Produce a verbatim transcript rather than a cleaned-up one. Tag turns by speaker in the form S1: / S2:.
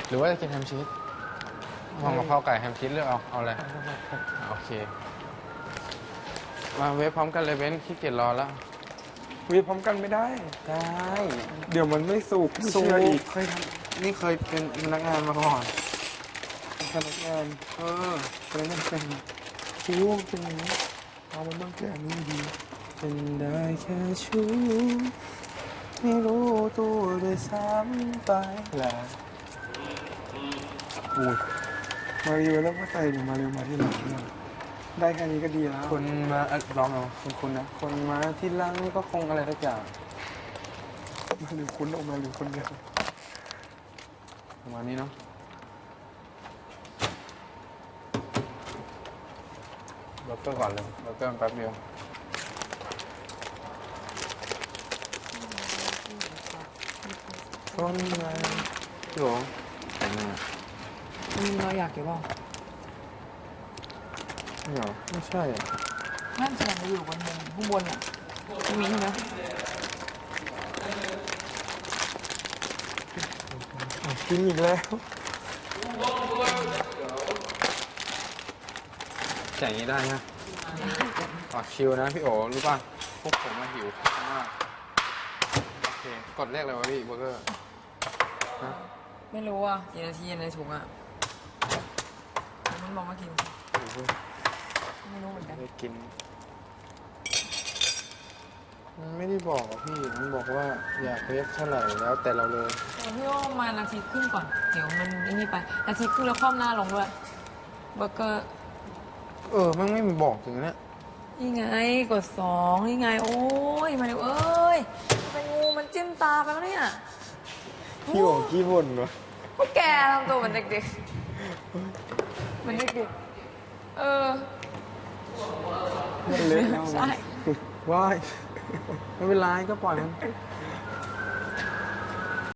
S1: หรือว่าจะกินแฮมชีสลองกะเพราไก่แฮมชีสเลือกเอาเอาอะไรโอเคมาเวฟพร้อมกันเลยเว้นขี้เกียจรอแล้ว
S2: วีพร้อมกันไม่ได้
S1: ได้
S2: เดี๋ยวมันไม่สุก
S1: สู
S2: เชื่ออีก
S1: เคยทำนี่เคยเป็นพนักงานมาก่อน
S2: พนักงาน
S1: เออ
S2: พนักงานเป็นคิ้วมันเป็นอย่างนี้เอามันต้องแก่นี่ดีเป็นได้แค่ชู้ไม่รู้ตัวด้วยซ้ำไปแล้วอุ้ยมาเร็วแล้วก็ใส่หนูมาเร็วมาที่หลังเนี่ยได้แค่นี้ก็ดีแล้ว
S1: คนมาเอ่อลองเอาคุณคุณนะคนมาที่หลังก็คงอะไรสักอย่าง
S2: มาเร็วคุณออกมาเร็วคนเดียว
S1: ประมาณนี้เนาะเบอร์เกอร์ก่อนเลยเบอร์เกอร์แป๊บเดียวต้นไม้พี่โอ๋แต่งหน้า
S3: อืมเราอยากเก็บบ้าง
S1: ไม่เหรอไม่ใช่อะ
S3: นั่นแสดงว่าอยู่บนมุมข้างบนอ่ะไม่มีใช่ไหม
S2: กินอีกแล้ว
S1: แต่งอย่างนี้ได้นะอ๋อชิลนะพี่โอ๋รู้ป่ะพวกผมมาหิวข้าวมากโอเคกดเลขอะไรวะพี่เบอร์เกอร์ฮะ
S3: ไม่รู้อ่ะกี่นาทีในถุงอ่ะมันบอกว่ากินไม่รู้เหมือนกัน
S1: ได้กินมันไม่ได้บอกอะพี่มันบอกว่าอยากเรียกเท่าไหร่แล้วแต่เราเลย
S3: แต่พี่ว่าประมาณนาทีครึ่งก่อนเดี๋ยวมันไอ้นี่ไปนาทีครึ่งแล้วคว่ำหน้าลงด้วยเบอร์เกอร์
S1: เออมันไม่มีบอกถึงเนี้ย
S3: นี่ไงกดสองนี่ไงโอ้ยมาเร็วเอ้ยเป็นงูมันจิ้มตาไปแล้วเนี่ย
S2: พี่บอกกี้บ่นวะ
S3: พวกแกทำตัวเหมือนเด็กๆเหมือนเด็กๆเออ
S2: มันเละแล้ว
S3: ใช่
S1: ว้ายไม่เป็นไรก็ปล่อยมัน